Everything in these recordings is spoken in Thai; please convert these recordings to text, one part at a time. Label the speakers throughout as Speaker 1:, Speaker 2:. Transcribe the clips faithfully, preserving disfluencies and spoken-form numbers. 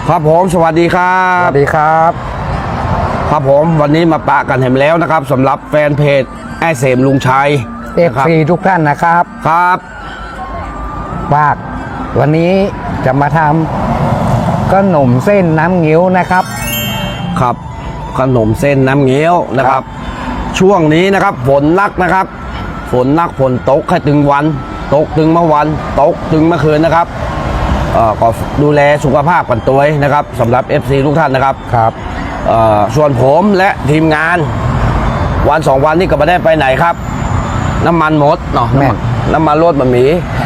Speaker 1: ครับผมสวัสดีครับ
Speaker 2: สวัสดีครับ
Speaker 1: ครับผมวันนี้มาปะกันเห็นแล้วนะครับสำหรับแฟนเพจไอ้เสมลุงชัย
Speaker 2: เอฟซีทุกท่านนะครับ
Speaker 1: ครับ
Speaker 2: ฝากวันนี้จะมาทำขนมเส้นน้ำเงี้ยวนะครับ
Speaker 1: ครับขนมเส้นน้ำเงี้ยวนะครับช่วงนี้นะครับฝนนักนะครับฝนนักฝนตกแค่ตึงวันตกตึงเมื่อวันตกตึงเมื่อคืนนะครับก็ดูแลสุขภาพกันตัวนะครับสำหรับ เอฟ ซี ทุกท่านนะครับ
Speaker 2: ครับ
Speaker 1: ส่วนผมและทีมงานวันสองวันนี้ก็ไม่ได้ไปไหนครับน้ำมันหมดเนาะน้ำมันรถมันมี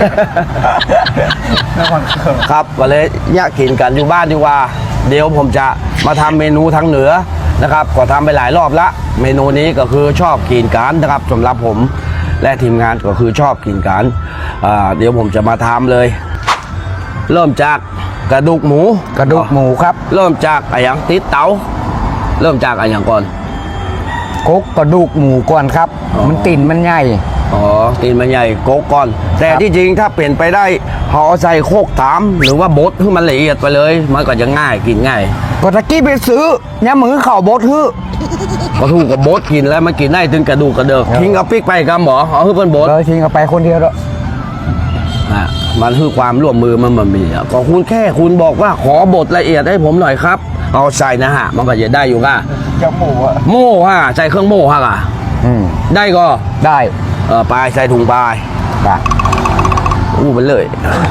Speaker 1: ครับก็เลยแยกกินกันอยู่บ้านดีกว่าเดี๋ยวผมจะมาทำเมนูทางเหนือนะครับก็ทำไปหลายรอบละเมนูนี้ก็คือชอบกินกันนะครับสำหรับผมและทีมงานก็คือชอบกินกันเดี๋ยวผมจะมาทำเลยเริ่มจากกระดูกหมู
Speaker 2: กระดูกหมูครับ
Speaker 1: เริ่มจากอะไรอย่างติดเตาเริ่มจากอะไรอย่างก่อน
Speaker 2: กกกระดูกหมูก่อนครับมันตีนมันใหญ่
Speaker 1: อ๋อตีนมันใหญ่กกก่อนแต่ที่จริงถ้าเปลี่ยนไปได้ห่อใส่โคกตามหรือว่าบดให้มันละเอียดไปเลยมันก็จะง่ายกินง่าย
Speaker 2: ก็ตะกี้ไปซื้อยามือเข่าบดฮื้อ
Speaker 1: ก็ถูกกับบดกินแล้วมันกินได้ถึงกระดูกกระเดิกทิ้งเอาปิ๊กไปกับหมอเอาให้เพื่อนบด
Speaker 2: เลยทิ้งเอาไปคนเดียวแล้ว
Speaker 1: มันคือความร่วมมือมันมันมีก็คุณแค่คุณบอกว่าขอบทละเอียดให้ผมหน่อยครับเอาใส่นะฮะมันก็จะได้อยู่ก่ะ
Speaker 2: จะหมูอะ
Speaker 1: โม่ฮะใส่เครื่องโม่ฮะก่ะได้ก็
Speaker 2: ได้
Speaker 1: เออปลายใส่ถุงปลาย
Speaker 2: ได้
Speaker 1: อู้มันเลย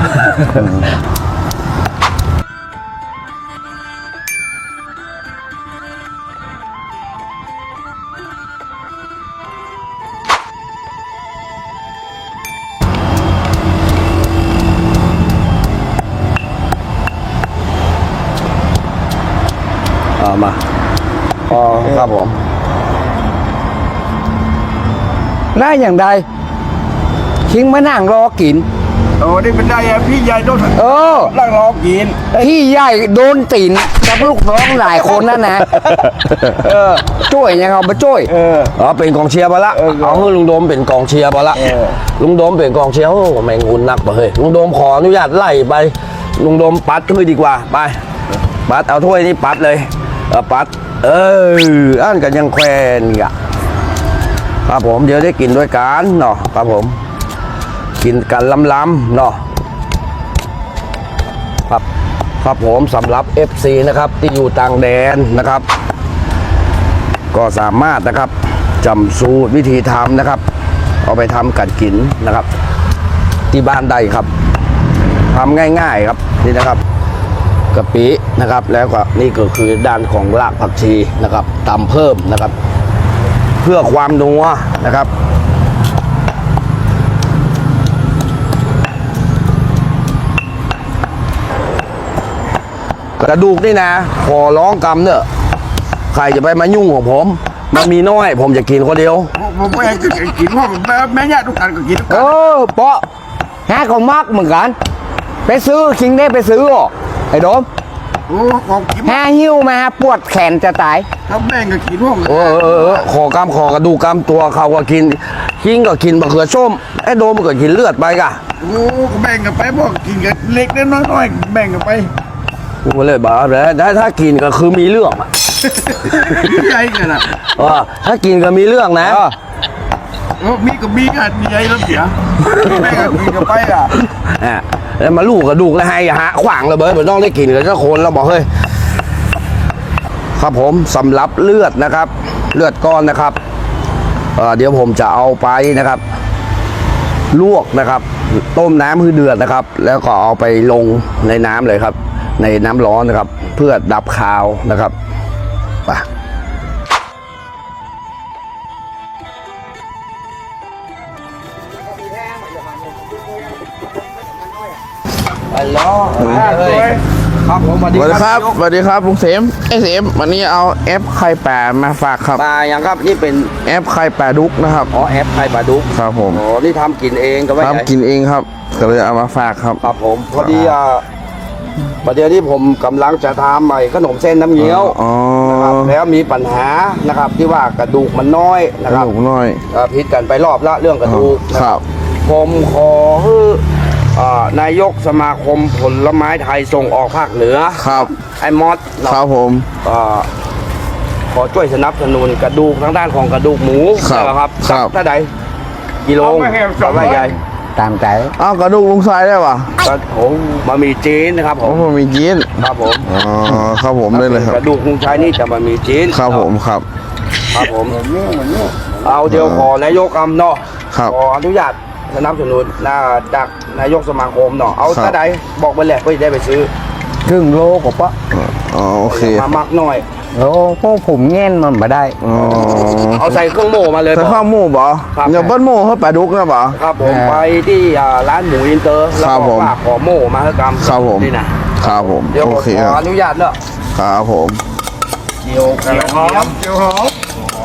Speaker 1: มาอ๋อครับผม
Speaker 2: ได้อย่างใดทิ้งมานั่งรอกิน
Speaker 1: โอ้นี่เป็นได้พี่ใหญ่โดน
Speaker 2: เออ
Speaker 1: นั่งรอกิน
Speaker 2: พี่ใหญ่โดนตีนกับลูกน้องหลายคนนั่นนะเออช่วยยังเอามาช่วย
Speaker 1: เอออ๋อเป็นกองเชียร์ไปละเอาให้ลุงโดมเป็นกองเชียร์ไปละลุงโดมเป็นกองเชียร์โอ้แมงมุนนักไปเฮ้ยลุงโดมขออนุญาตไล่ไปลุงโดมปัดขึ้นดีกว่าไปปัดเอาถ้วยนี่ปัดเลยเออปัดเอออันกันยังแควนอ่ะครับผมเดี๋ยวได้กินด้วยกันเนาะครับผมกินกันล้ำๆเนาะครับครับผมสำหรับ เอฟ ซี นะครับที่อยู่ต่างแดนนะครับก็สามารถนะครับจำสูตรวิธีทำนะครับเอาไปทำกันกินนะครับที่บ้านได้ครับทำง่ายๆครับนี่นะครับกะปินะครับแล้วก็นี่ก็คือด้านของรากผักชีนะครับตำเพิ่มนะครับเพื่อความนัวนะครับกระดูกนี่นะขอร้องกำเนอะใครจะไปมายุ่งของผมมันมีน้อยผมจะกินคนเดียว
Speaker 3: ผมไม่กินเพราะแม่ญาติทุกท่านก็กินทุกท่าน
Speaker 2: เออเปาะฮะของมากเหมือนกันไปซื้อคิงได้ไปซื้ออ่ะไอ้โดมแห่หิ้วมาปวดแขนจะตาย
Speaker 3: ถ้าแม่งก็กินพวก
Speaker 1: เออเออขอกำขอกระดูกกำตัวเขาก็กินคิงก็กินมะเขือส้มไอ้โดมก็กินเลือดไปกะ
Speaker 3: โอ้แบ่งกันไปบอกกินกันเล็กน้อยๆแบ่งกันไป
Speaker 1: กูเลยบอกเลยถ้าถ้ากินก็คือมีเรื่องอ่ะ
Speaker 3: ใหญ่กันอ่ะ
Speaker 1: ถ้ากินก็มีเรื่องนะ
Speaker 3: มีก็มีกันมีใหญ่แล้วเสียแบ่งกันกินกันไปอ่ะ
Speaker 1: แล้วมาลูกกระดูกแล้วให้หาขวางเลยเบิร์ดเหมือนต้องได้กินกันสักคนแล้วบอกเฮ้ยครับผมสำหรับเลือดนะครับเลือดก้อนนะครับเดี๋ยวผมจะเอาไปนะครับลวกนะครับต้มน้ำให้เดือดนะครับแล้วก็เอาไปลงในน้ำเลยครับในน้ำร้อนนะครับเพื่อดับคาวนะครับไปฮัลโหลครับผมสวัสดี
Speaker 4: ครับสวัสดีครับลุงเสมไอ้เสมวันนี้เอาแอปไข่แปะมาฝากครับ
Speaker 1: ปลาอย่างครับนี่เป็น
Speaker 4: แอปไข่แปะดุกนะครับ
Speaker 1: อ๋อแอปไข่ปลาดุก
Speaker 4: ครับผม
Speaker 1: อ๋อนี่ทำกินเองก็ไม่
Speaker 4: ทำกินเองครับก็เลยเอามาฝากครับ
Speaker 1: ครับผมพอดีอ่ะประเดี๋ยวที่ผมกำลังจะทำใหม่ขนมเส้นน้ำเงี้ยวนะครับแล้วมีปัญหานะครับที่ว่ากระดูกมันน้อยนะครับ
Speaker 4: กระดูกน้อย
Speaker 1: พิษกันไปรอบละเรื่องกระดูก
Speaker 4: ครับ
Speaker 1: ผมขออ่านายกสมาคมผลไม้ไทยส่งออกภาคเหนือ
Speaker 4: ครับ
Speaker 1: ไอ้มอสเนาะ
Speaker 4: ครับผม
Speaker 1: อ่าขอช่วยสนับสนุนกระดูกทางด้านของกระดูกหมู
Speaker 4: ครับ
Speaker 1: นะครับ
Speaker 4: ครับ
Speaker 1: ถ้าใดกิโล
Speaker 3: เอาไม่แห้งสองร้อย
Speaker 1: ใหญ่
Speaker 2: ตามใจ
Speaker 4: อ้าวกระดูกลุงชายได้ป่ะ
Speaker 1: กระผมบะหมี่จีนนะครับผ
Speaker 4: โอ้
Speaker 1: ม
Speaker 4: มันมีจีน
Speaker 1: ครับผม
Speaker 4: อ๋อครับผมได้เลยครั
Speaker 1: ก
Speaker 4: บ
Speaker 1: ระดูกลุงชายนี่จะบะหมี่จีน
Speaker 4: ครับผมครับ
Speaker 1: ครับผมเอาเดียวขอนายกอำเนาะ
Speaker 4: ครับ
Speaker 1: ขออนุญาตสนับสนุนนะจากนายกสมาคมเนาะเอา
Speaker 4: ครับ
Speaker 1: ถ้าใดบอกไปแหละเพื่อจะได้ไปซื้อ
Speaker 2: ครึ่งโลกว่าปะ
Speaker 4: อ๋อโอเค
Speaker 1: มามักหน่อย
Speaker 2: โอ้พวกผมแง่นมันมาได้
Speaker 4: อ๋อ
Speaker 1: เอาใส่เครื่องโม่มาเลย
Speaker 4: ใส่
Speaker 1: บอก
Speaker 4: ข้าวหมูบ่
Speaker 1: ครับ
Speaker 4: อย่าเบิ้ลหมูให้ปลาดุกนะบ่
Speaker 1: ครับผม
Speaker 2: เออ
Speaker 1: ไปที่อ่าร้านหมูอินเตอร์แล้ว
Speaker 4: ครับ
Speaker 1: ก็
Speaker 4: ผม
Speaker 1: ฝากขอโม่มาให้กำ
Speaker 4: ครับผม
Speaker 1: นี่นะครับ
Speaker 4: ผม
Speaker 1: เดี๋ยว
Speaker 4: โอ
Speaker 1: ผม
Speaker 4: เค
Speaker 1: ข
Speaker 4: ค
Speaker 1: อ
Speaker 4: รับ
Speaker 1: อนุญาตเนาะ
Speaker 4: ครับผม
Speaker 1: เกี่ยวกระเทียม
Speaker 3: เจียวหอม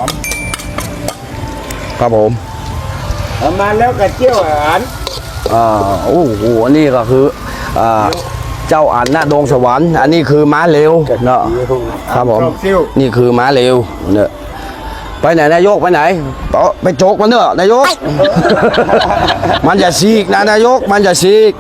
Speaker 1: ครับผม
Speaker 3: เอามาแล้วกระเจียวอาหาร
Speaker 1: อ่าโอ้โหอันนี่ก็คืออ่าเจ้าอันหน้าดงสวรรค์อันนี้คือม้าเร็วเนาะครับผม
Speaker 3: ดอกซิ่ว
Speaker 1: นี่คือม้าเร็วเนี่ยไปไหนนายกไปไหนต่อไปโจกมันเนอะนายก มันอย่าซีกนะนายกมันอย่าซีก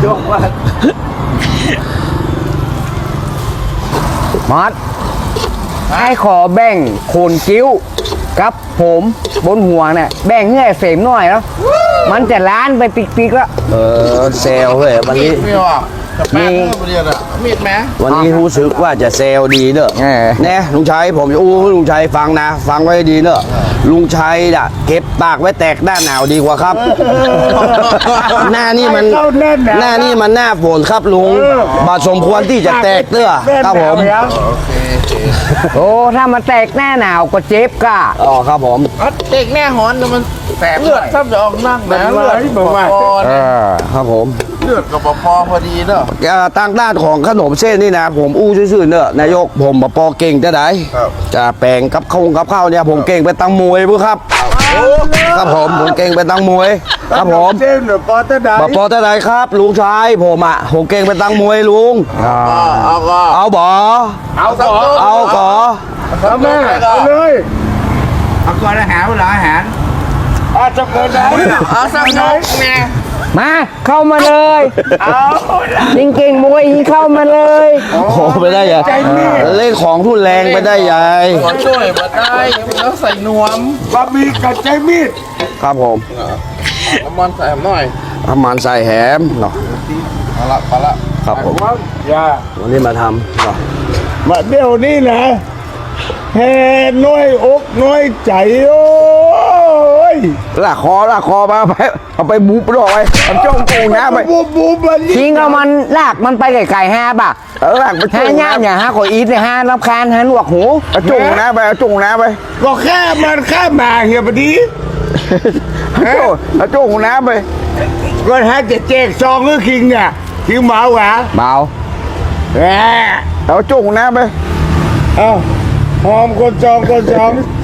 Speaker 2: มอสให้ขอแบ่งโคนกิ้วกับผมบนหัวเนี่ยแบ่งให้เสมหน่อยแล้วมันจะล้านไปปิกๆแล้ว
Speaker 1: เออเซลเฮ้ยวันนี้
Speaker 4: มีว่ะจะแป้งเมื่อเรียนอ่ะมีดไหม
Speaker 1: วันนี้รู้สึกว่าจะเซลดีเนอะ
Speaker 2: เออ
Speaker 1: แน่ลุงชัยผมจะอู้ให้ลุงชัยฟังนะ ฟังไว้ดีเนอะลุงชัยน่ะเก็บปากไว้แตกหน้าหนาวดีกว่าครับ หน้านี่มัน
Speaker 3: เข้าแน่นหนา
Speaker 1: หน้านี่มันหน้าฝนครับลุงบาดสมควรที่จะแตกเตื้อครับผม
Speaker 2: โอ้ถ้ามันแตกหน้าหนาวก็เจ็บก่ะ
Speaker 1: อ๋อครับผม
Speaker 4: เด็กแน่หอนมันแสบเลือดซ้ำจะออกนั่งนะเลือดบอกว่า
Speaker 2: เออ
Speaker 1: ครับผม
Speaker 4: เลือดกับพอพอดีเนอะ
Speaker 1: เอ่อทางด้านของขนมเส้นนี่นะ ผมอู้ซื่อๆเนอะนายกผมบปอเก่งจะได้จะแปลงกับข้าวกับข้าวเนี่ยผมเก่งไปตั้งมวยพุครับครับผมผมเก่งไปตั้งมวยครับผม
Speaker 3: เส้นหรือปอตะได
Speaker 1: บปอจะได้ครับ ลุงชายผมอ่ะผมเก่งไปตั้งมวยลุง
Speaker 4: เอาก็
Speaker 1: เอาบ่
Speaker 3: เอาต่อ
Speaker 1: เอาก่อ
Speaker 3: เอาแม่เอาเลยเอาก่อนอาหารเวลาอาหารอาจะเกิดได้
Speaker 4: เอาสักนกไง
Speaker 2: มาเข้ามาเลยจริงเก่งมวยยิงเข้ามาเลย
Speaker 1: โอ้โหไปได้ยังเล่นของทุนแรงไปได้ยัง
Speaker 4: ขอช่วยมาได้แล้วใส่นวม
Speaker 3: บะหมี่กับใจมีด
Speaker 1: ครับผม
Speaker 4: น้ำมันใส่หน่อย
Speaker 1: ประมาณใส่แหมเนาะ
Speaker 4: เอาละเอาละ
Speaker 1: ครับผม
Speaker 3: อย่า
Speaker 1: วันนี้มาทำเนาะ
Speaker 3: มาเดี๋ยวนี้นะแห่น้อยอกน้อยใจโอ้ย
Speaker 1: ลากคอลากคอมาไปเอาไปบุบดอกไปเอาจ้องโกงน้ำไป
Speaker 3: บูบูบัน
Speaker 2: จริงเอามันลากมันไปไกลๆห้าบ่ะ
Speaker 1: เออลากไป
Speaker 2: ห้า
Speaker 1: จ้อง
Speaker 2: ย่า
Speaker 1: น้ำ
Speaker 2: เนี่ยห้าขออีทเนี่ยห้ารับคานห้าหนวกหู
Speaker 1: เอาจ้องน้ำไปเอาจ้องน้ำไป
Speaker 3: ก็แค่มันแค่มาเฮียบดี
Speaker 1: เอาจ้องเอาจ้องน้ำไป
Speaker 3: ก็ให้จะแจกซองก็คิงเนี่ยคิงหมาหวา
Speaker 2: เบา
Speaker 3: แหม
Speaker 1: เอาจ้องน้ำไป
Speaker 3: เอาหอมคนจองคนจอง